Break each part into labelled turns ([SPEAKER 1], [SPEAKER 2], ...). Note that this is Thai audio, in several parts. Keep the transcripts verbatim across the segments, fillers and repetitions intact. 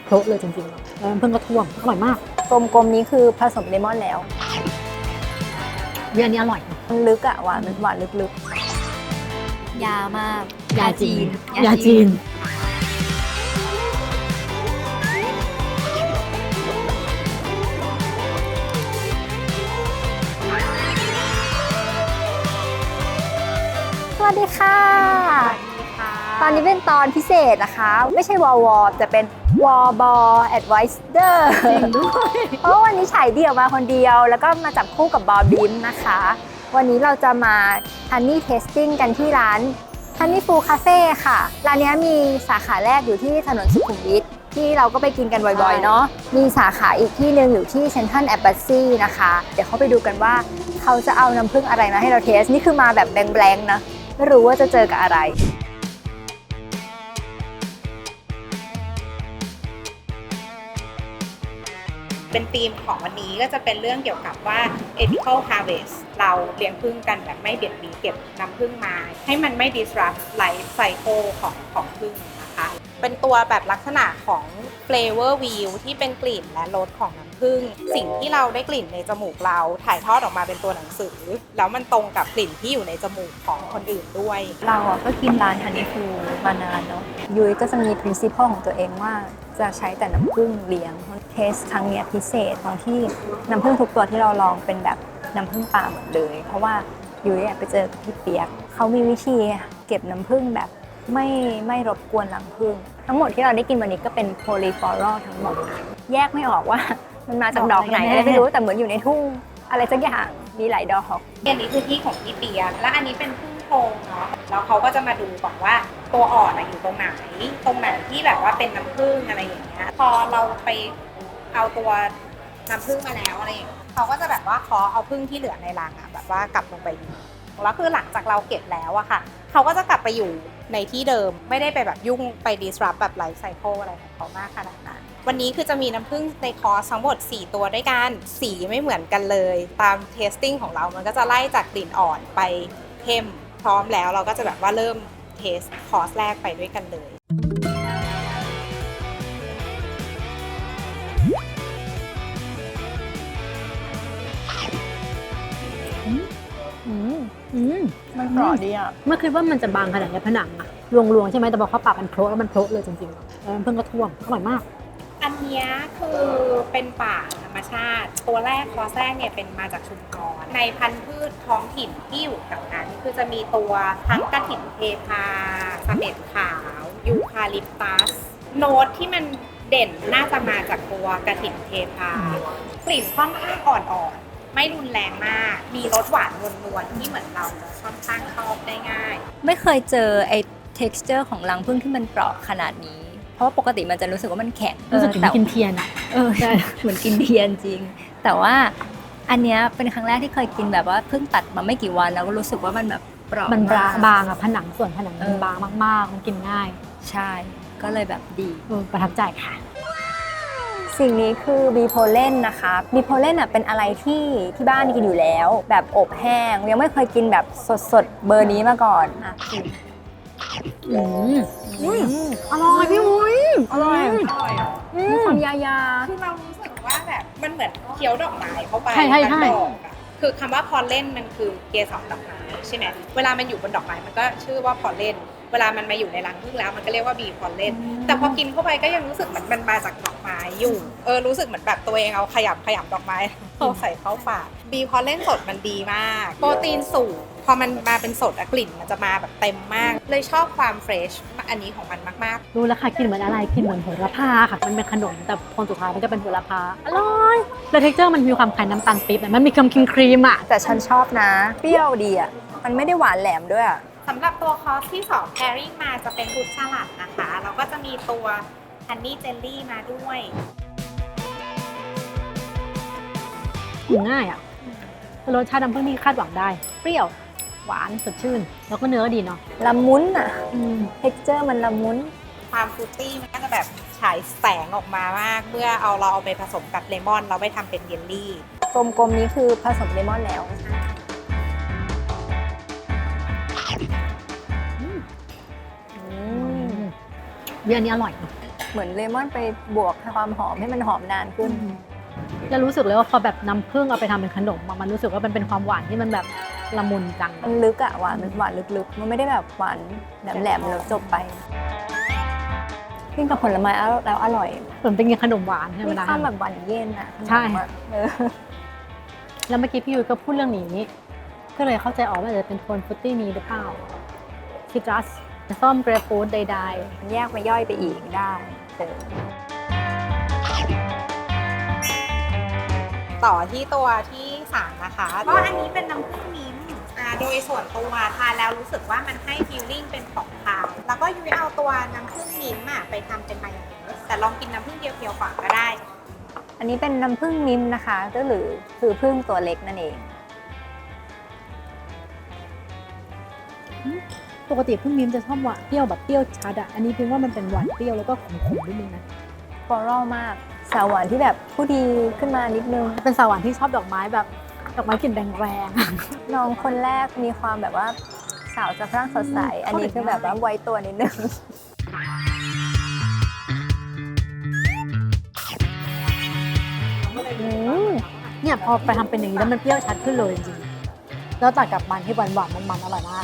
[SPEAKER 1] โพะเลยจริงๆแล้วน้ำผึ้งก็ท่วมอร่อยมาก
[SPEAKER 2] กลมๆนี้คือผสมเลมอนแล้ว
[SPEAKER 1] เรื่องนี้อร่อย
[SPEAKER 2] มันลึกอะหวานหวานลึก
[SPEAKER 3] ยาวมาก
[SPEAKER 1] ยาจีนยาจีน
[SPEAKER 2] สวัสดีค่ะตอนนี้เป็นตอนพิเศษนะคะไม่ใช่วอลวอลแต่เป็นวอลบอลแอดไวส์เดอร์จริงด้วยเพราะวันนี้ฉายเดี่ยวมาคนเดียวแล้วก็มาจับคู่กับบอลบิมนะคะวันนี้เราจะมาฮันนี่เทสติ้งกันที่ร้านฮันนี่ฟูคาเฟ่ค่ะร้านนี้มีสาขาแรกอยู่ที่ถนนสุขุมวิทที่เราก็ไปกินกันบ่อยๆเนาะมีสาขาอีกที่หนึ่งอยู่ที่เซ็นทรัลแอมบาสซีนะคะเดี๋ยวเขาไปดูกันว่าเขาจะเอาน้ำผึ้งอะไรมาให้เราเทสนี่คือมาแบบแบงๆนะไม่รู้ว่าจะเจอกับอะไร
[SPEAKER 4] เป็นธีมของวันนี้ก็จะเป็นเรื่องเกี่ยวกับว่า ethical harvest เราเลี้ยงผึ้งกันแบบไม่เบียดเบียนเก็บน้ำผึ้งมาให้มันไม่ disrupt life cycle ของของผึ้งนะคะเป็นตัวแบบลักษณะของ flavor wheel ที่เป็นกลิ่นและรสของน้ำผึ้งสิ่งที่เราได้กลิ่นในจมูกเราถ่ายทอดออกมาเป็นตัวหนังสือแล้วมันตรงกับกลิ่นที่อยู่ในจมูกของคนอื่นด้วย
[SPEAKER 2] เราอ่ะก็กินร้านฮันนี่ฟูมานานเนาะยุ้ยก็จะมี principle ของตัวเองว่าจะใช้แต่น้ำผึ้งเลี้ยงเทสครั้งนี้พิเศษตรงที่น้ำผึ้งทุกตัวที่เราลองเป็นแบบน้ำผึ้งป่าหมดเลยเพราะว่ายุ้ยไปเจอพี่เปียกเขามีวิธีเก็บน้ำผึ้งแบบไม่ไม่รบกวนรังผึ้งทั้งหมดที่เราได้กินวันนี้ก็เป็นโพลีฟลอรัลทั้งหมดแยกไม่ออกว่ามันมาจากดอกไหนไม่รู้แต่เหมือนอยู่ในทุ่งอะไรสักอย่างมีหลายดอก
[SPEAKER 4] อันนี้คือที่ของพี่เปียกและอันนี้เป็นผึ้งโพรงเนาะแล้วเขาก็จะมาดูก่อนว่าตัวอ่อนอยู่ตรงไหนตรงไหนที่แบบว่าเป็นน้ำผึ้งอะไรอย่างเงี้ยพอเราไปเอาตัวน้ำผึ้งมาแล้วอะไรอย่างเงี้ยเขาก็จะแบบว่าขอเอาผึ้งที่เหลือในรังอะแบบว่ากลับลงไปอยู่แล้วคือหลังจากเราเก็บแล้วอะค่ะเขาก็จะกลับไปอยู่ในที่เดิมไม่ได้ไปแบบยุ่งไป disrupt แบบไลฟ์ไซเคิลอะไรของเขามากขนาดนั้นวันนี้คือจะมีน้ำผึ้งในคอร์สทั้งหมดสี่ตัวด้วยกันสีไม่เหมือนกันเลยตามเทสติ้งของเรามันก็จะไล่จากกลิ่นอ่อนไปเข้มพร้อมแล้วเราก็จะแบบว่าเริ่มเทสคอร์สแรกไปด้วยกันเลย
[SPEAKER 2] มันกรอบดีอ่ะ
[SPEAKER 1] เมื่อคิดว่ามันจะบางขนาดนี้ผนังอะรวงๆใช่ไหมแต่พอเขาปรับมันโพะแล้วมันโพะเลยจริงๆแล้วน้ำผึ้งก็ท่วมอร่อยมาก
[SPEAKER 4] อันนี้คือเป็นป่าธรรมชาติตัวแรกคอร์สแรกเนี่ยเป็นมาจากชุมพรในพันธุ์พืชท้องถิ่นที่อยู่แถวนั้นคือจะมีตัวทั้งกระถิ่นเทพาเสม็ดขาวยูคาลิปตัสโน้ตที่มันเด่นน่าจะมาจากตัวกระถิ่นเทพากลิ่นค่อนข้างอ่อนๆไม่รุนแรงมากมีรสหวานนวลๆที่เหมือนเราค่อนข้างชอบได้ง่าย
[SPEAKER 2] ไม่เคยเจอไอ้ texture ของรังผึ้งที่มันกรอบขนาดนี้เพราะว่าปกติมันจะรู้สึกว่ามันแข็ง
[SPEAKER 1] รู้สึกเหมือนกินเทียนอ่ะ
[SPEAKER 2] เออใช่เหมือนกินเทียนจริงแต่ว่าอันเนี้ยเป็นครั้งแรกที่เคยกินแบบว่าเพิ่งตัดมาไม่กี่วันแล้วก็รู้สึกว่ามันแบบกรอบ
[SPEAKER 1] มันบางอ่ะผนังส่วนผนังมันบางมากๆมันกินง่าย
[SPEAKER 2] ใช่ก็เลยแบบดี
[SPEAKER 1] ประทับใจค่ะ
[SPEAKER 2] สิ่งนี้คือบีโพเลนนะคะบีโพเลนอ่ะเป็นอะไรที่ที่บ้านกินอยู่แล้วแบบอบแห้งยังไม่เคยกินแบบสดๆเบอร์นี้มาก่อนอ่ะ
[SPEAKER 1] อืมอร่อยพี่มุ้ย
[SPEAKER 2] อร่อยมีความยายา
[SPEAKER 4] คือเรารู้สึกว่าแบบมันเหมือนเคี้ยวดอกไม้เข้าไป
[SPEAKER 1] ใช่ใช่ใช่
[SPEAKER 4] คือคำว่าพอลเลนมันคือเกสรดอกไม้ใช่ไหมเวลามันอยู่บนดอกไม้มันก็ชื่อว่าพอลเลนเวลามันมาอยู่ในรังผึ้งแล้วมันก็เรียกว่าบีพอลเลนแต่พอกินเข้าไปก็ยังรู้สึกเหมือนมันมาจากดอกไม้อยู่เออรู้สึกเหมือนแบบตัวเองเอาขยำขยำดอกไม้เอาใส่เข้าปากบีพอลเลนสดมันดีมากโปรตีนสูงพอมันมาเป็นสดกลิ่นมันจะมาแบบเต็มมากเลยชอบความเฟรชอันนี้ของมันมาก
[SPEAKER 1] ๆรู้แล้วค่ะกินเหมือนอะไรกินเหมือนโหระพาค่ะมันเป็นขนมแต่พอสุดท้ายมันจะเป็นโหระพาอร่อยแล้วเท็กเจอร์มันมีความคล้ายน้ำตาลปี๊บมันมีความครีมครีมอ่ะ
[SPEAKER 2] แต่ฉันชอบนะเปรี้ยวดีอ่ะมันไม่ได้หวานแหลมด้วยอ่ะ
[SPEAKER 4] สำหรับตัวคอร์สที่สอง pairing มาจะเป็นฟรุตสลัดนะคะแล้วก็จะมีตัวฮันนี่เจลลี่มาด้วย
[SPEAKER 1] กินง่ายอ่ะรสชาติน้ำผึ้งที่คาดหวังได้เปรี้ยวหวานสดชื่นแล้วก็เนื้อดีเนาะ
[SPEAKER 2] ละมุนอ่ะเท็กเจอร์มันละมุน
[SPEAKER 4] ความฟรุตตี้มันก็จะแบบฉายแสงออกมามากเมื่อเอาเราเอาไปผสมกับเลมอนเราไปทำเป็นเยลลี่
[SPEAKER 2] กลมๆนี้คือผสมเลมอนแล้ว
[SPEAKER 1] เรื่องนี้อร่อย
[SPEAKER 2] เหมือนเลมอนไปบวกความหอมให้มันหอมนานขึ้น
[SPEAKER 1] แล้วรู้สึกเลยว่าพอแบบน้ำผึ้งเอาไปทำเป็นขนมอะมันรู้สึกว่ามันเป็นความหวานที่มันแบบละมุนจัง
[SPEAKER 2] มันลึกอะหวานมันหวานลึกๆ มันไม่ได้แบบหวานแหลมๆแล้วจบไปกินกับผลไม้แล้วอร่อย
[SPEAKER 1] เหมือนเป็นกินขนมหวานใช่ไหม
[SPEAKER 2] มี
[SPEAKER 1] ล่ะ
[SPEAKER 2] ความแบบหวานเย็นอะ
[SPEAKER 1] ใช่
[SPEAKER 2] เออ
[SPEAKER 1] แล้วเมื่อกี้พี่ยุ้ยก็พูดเรื่องนี้ ก็เลยเข้าใจออกว่าอาจจะเป็นโทนฟรุตตี้นี้หรือเปล่าซิตรัสส้มเกรปฟรุตใด
[SPEAKER 2] มันแยกมาย่อยไปอีกได้เออ
[SPEAKER 4] ต่อที่ตัวที่สามนะคะก็อันนี้เป็นน้ำผึ้งมิ้นท์อ่าโดยส่วนตัวทานแล้วรู้สึกว่ามันให้ฟีลลิ่งเป็นของคาวแล้วก็ยุ้ยเอาตัวน้ำผึ้งมิ้นท์อะไปทำเป็นมายองเนสแต่ลองกินน้ำผึ้งเดียวๆก่อนก็ได้
[SPEAKER 2] อันนี้เป็นน้ำผึ้งมิ้มนะคะก็หรือคือผึ้งตัวเล็กนั่นเอง
[SPEAKER 1] ๆปกติพึ่งมิ้มจะชอบหวานเปรี้ยวแบบเปรี้ยวชัดอะอันนี้พิมว่ามันเป็นหวานเปรี้ยวแล้วก็ขมๆนิดนึงนะ
[SPEAKER 2] ฟลอรัลมาก สาวหวานที่แบบผู้ดีขึ้นมานิดนึง
[SPEAKER 1] เป็นสาวหวานที่ชอบดอกไม้แบบดอกไม้กลิ่นแรงๆ
[SPEAKER 2] น้องคนแรกมีความแบบว่าสาวจะพร่างสดใส อันนี้คือแบบว่าไว้ตัวนิดนึง อืม
[SPEAKER 1] เนี่ยพอไปทำเป็นอย่างนี้แล้วมันเปรี้ยวชัดขึ้นเลยจริงๆแล้วตัดกับมันที่หวานหวานๆมันๆอร่อยมาก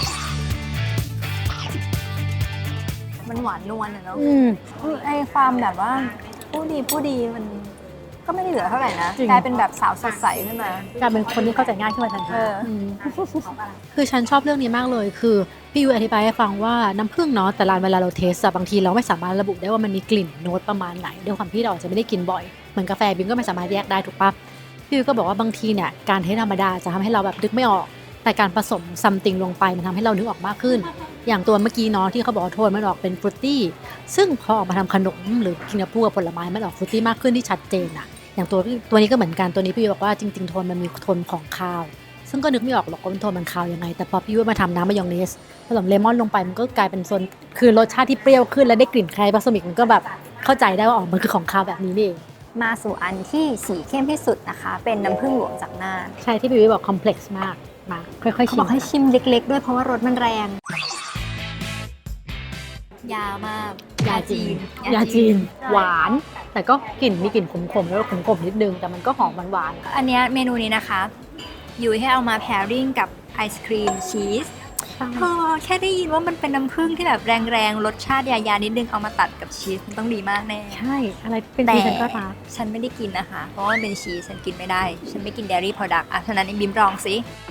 [SPEAKER 2] มันหวานนวลอะเนาะ
[SPEAKER 1] อืม
[SPEAKER 2] ไอความแบบว่าผู้ดีผู้ดีมันก็ไม่ได้เหลือเท่าไหร่นะ
[SPEAKER 1] จริง
[SPEAKER 2] กลายเป็นแบบสาวสดใสขึ้นมา
[SPEAKER 1] กลายเป็นคนที่เข้าใจง่ายขึ้นมาทันที
[SPEAKER 2] เอออื
[SPEAKER 1] มคือฉันชอบเรื่องนี้มากเลย คือพี่ยุ้ยอธิบายให้ฟังว่าน้ำผึ้งเนาะแต่ละเวลาเราเทสอะบางทีเราไม่สามารถระบุได้ว่ามันมีกลิ่นโน้ตประมาณไหนด้วยความที่เราอาจจะไม่ได้กินบ่อยเหมือนกาแฟบิมก็ไม่สามารถแยกได้ถูกปะพี่ยุ้ยก็บอกว่าบางทีเนี่ยการเทสธรรมดาจะทำให้เราแบบนึกไม่ออกแต่การผสมซัมติงลงไปมันทำให้เรานึกออกมากขึ้น อย่างตัวเมื่อกี้เนาะที่เขาบอกว่าโทนมันออกเป็นฟรุตตี้ซึ่งพอออกมาทำขนมหรือกินกับพวกผลไม้มันออกฟรุตตี้มากขึ้นที่ชัดเจนอะอย่างตัวตัวนี้ก็เหมือนกันตัวนี้พี่ยุ้ยบอกว่าจริงๆโทนมันมีโทนของคาว ซึ่งก็นึกไม่ออกหรอกว่ามันโทนมันคาวยังไงแต่พอพี่ยุ้ยมาทำน้ำมายองเนสผสมเลมอนลงไปมันก็กลายเป็นโซนคือรสชาติที่เปรี้ยวขึ้นและได้กลิ่นคล้ายบาสมิกมันก็แบบเข้าใจได้ว่าอ๋อมันคือของคาวแบบนี้นี่เอง
[SPEAKER 2] มาสู่อันที่สีเข้มที่สุดนะคะ เป็นน้ำผึ้งหลวงจากน่าน
[SPEAKER 1] ใช่ที่พี่ยุ้ยบอกคอมเพล็กซ์มากมาค่อยๆ
[SPEAKER 2] เขา
[SPEAKER 1] ชิ
[SPEAKER 2] บ
[SPEAKER 1] ม
[SPEAKER 2] อกให้ชิมเล็กๆด้วยเพราะว่ารสมันแรง
[SPEAKER 3] ยาวมาก
[SPEAKER 1] ยาจีนยาจีนหวาน แต่ก็กลิ่นมีกลิ่นขมๆแล้วก็ขมๆนิดนึงแต่มันก็หอมหวานๆ
[SPEAKER 2] อันเนี้ยเมนูนี้นะคะอยู่ให้เอามาแพริ่งกับไอศครีมชีสพอแค่ได้ยินว่ามันเป็นน้ำผึ้งที่แบบแรงๆรสชาติยาๆนิดนึงเอามาตัดกับชีสมันต้องดีมากแน่
[SPEAKER 1] ใช่อะไรเป็น
[SPEAKER 2] แต่
[SPEAKER 1] ที่ฉันก็รัก
[SPEAKER 2] ฉันไม่ได้กินนะคะ เพราะว่ามันเป็นชีสฉันกินไม่ได้ ฉันไม่กิน dairy product อ่ะฉะนั้นไอ้บิมลองสิ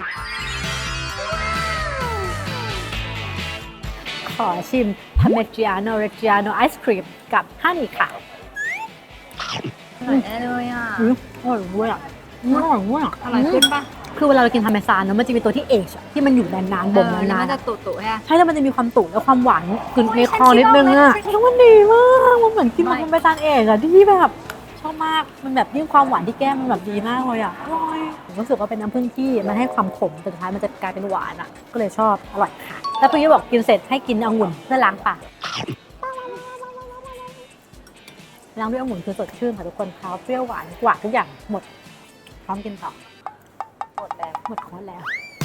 [SPEAKER 1] ขอชิมพาเมจิอาโนเรจิอาโนไอศครีมกับฮันนี่ค่ะ
[SPEAKER 2] อร่อยแน่เลยอ่ะ
[SPEAKER 1] อืมอร่อยเว้ยอ่ะอร่อยเว้ยอ่ะ
[SPEAKER 2] อร่อยขึ้นปะ
[SPEAKER 1] คือเวลาเรากินพาเมซานเนอะมันจะมีตัวที่เอชอะที่มันอยู่นานๆบ่ม
[SPEAKER 2] เออแล้ว
[SPEAKER 1] นาน
[SPEAKER 2] มัน
[SPEAKER 1] ๆ
[SPEAKER 2] จะ
[SPEAKER 1] อะ
[SPEAKER 2] ตุ่ๆใช่ปะ
[SPEAKER 1] ใช่แล้วมันจะมีความตุ่และความหวานคือในคอ
[SPEAKER 2] ฉันคิด
[SPEAKER 1] นิดนึงอะ
[SPEAKER 2] ว่ามัน
[SPEAKER 1] แล้วมันดีมากมันเหมือนกิน
[SPEAKER 2] ไม่
[SPEAKER 1] พาเมซานเอชอะที่แบบชอบมากมันแบบยิ่งความหวานที่แก้มมันแบบดีมากเลยอะอร่อยผมรู้สึกว่าเป็นน้ำผึ้งที่มันให้ความขมแต่สุดท้ายมันจะกลายเป็นหวานอะก็เลยชอบอร่อยค่ะ แล้วพี่ยุ้ยบอกกินเสร็จให้กินองุ่นเพื่อล้างปากล้างด้วยองุ่นคือสดชื่นค่ะทุกคนเขาเปรี้ยวหวานกว่าทุกอย่างหมดพร้อมกินต่อ
[SPEAKER 2] หมดแล้ว
[SPEAKER 1] หมดคอร์สแล้ว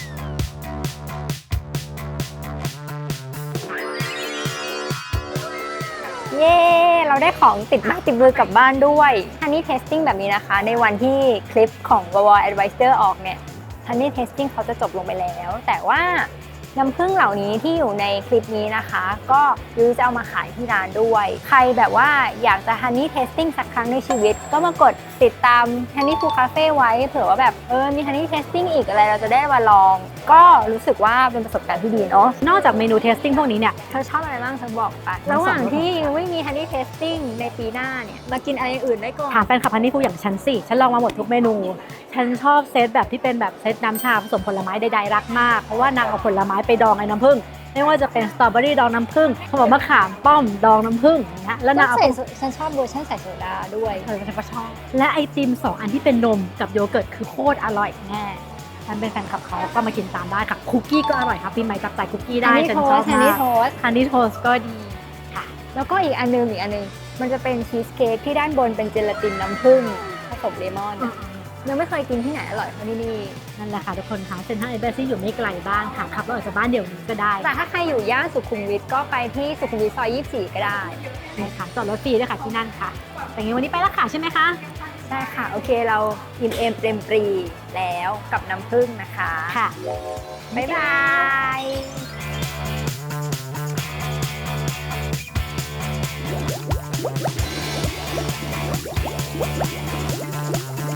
[SPEAKER 2] เย้ เราได้ของติดบ้านติดมือกลับบ้านด้วยฮันนี่เทสติ้งแบบนี้นะคะ ในวันที่คลิปของ วอ วอ Advisor ออกเนี่ยฮันนี่เทสติ้งเขาจะจบลงไปแล้ว แต่ว่าน้ำผึ้งเหล่านี้ที่อยู่ในคลิปนี้นะคะ ก็ยูจะเอามาขายที่ร้านด้วย ใครแบบว่าอยากจะฮันนี่เทสติ้งสักครั้งในชีวิต ก็มากดติดตามฮันนี่ฟูคาเฟ่ไว้เผื่อว่าแบบเออมีฮันนี่เทสติ้งอีกอะไรเราจะได้มาลอง ก็รู้สึกว่าเป็นประสบการณ์ที่ดีเนาะ
[SPEAKER 1] นอกจากเมนูเทสติ้งพวกนี้เนี่ย
[SPEAKER 2] เธอชอบอะไรบ้างเธอบอกไป
[SPEAKER 1] ทั้งสอง
[SPEAKER 2] ระหว่างที่ยังไม่มีฮันนี่เทสติ้งในปีหน้าเนี่ยมากินอะไรอื่นได้ก่อน
[SPEAKER 1] ถามแฟนคลับฮันนี่ฟูอย่างฉันสิ ฉันลองมาหมดทุกเมนู ฉันชอบเซตแบบที่เป็นแบบเซตน้ำชาผสมผลไม้ใดๆรักมาก เพราะว่านางเอาผลไม้ไปดองไอ้น้ำผึ้ง ไม่ว่าจะเป็นสตรอเบอรี่ดองน้ำผึ้งขนมมะขามป้อมดองน้ำผึ้งอย่างเงี้ยแล้วนางเอา
[SPEAKER 2] ใส่โซฉันชอบเวอร์ชันใส่โซดาด้วย
[SPEAKER 1] เออฉันก็ชอบ และไอติมสองอันที่เป็นนมกับโยเกิร์ตคือโคตรอร่อยแน่ฉันเป็นแฟนคลับเขาก็มากินตามได้ค่ะคุกกี้ก็อร่อยครับปีใหม่จับจ่ายคุกกี้ได้ฉันชอบ
[SPEAKER 2] ฮัน
[SPEAKER 1] มา
[SPEAKER 2] นี่
[SPEAKER 1] ก
[SPEAKER 2] โทส
[SPEAKER 1] ฮันนี่โทสก็ดีค่ะ
[SPEAKER 2] แล้วก็อีกอันนึงอีกอันนึงมันจะเป็นชีสเค้กที่ด้านบนเป็นเจลาตินน้ำผึ้งผสมเลมอนยังไม่เคยกินที่ไหนอร่อยเท่าที่นี่
[SPEAKER 1] นนั่นแหละค่ะทุกคนคะเซ็นทรัลเอเบซี่อยู่ไม่ไกลบ้านค่ะขับรถออกจากบ้านเดี๋ยวนี้ก็ได้
[SPEAKER 2] แต่ถ้าใครอยู่ย่านสุขุมวิทก็ไปที่สุขุมวิทซอยยี่สิบสี่ก็ได้
[SPEAKER 1] ใช่ค่ะจอดรถฟรีด้วยค่ะที่นั่นค่ะ แต่งั้นวันนี้ไปแล้วค่ะใช่ไหมคะ
[SPEAKER 2] ใช่ค่ะ โอเคเราอิ่มเอมเต็มปรีแล้วกับน้ำผึ้งนะคะ
[SPEAKER 1] ค่ะ
[SPEAKER 2] บ๊ายบาย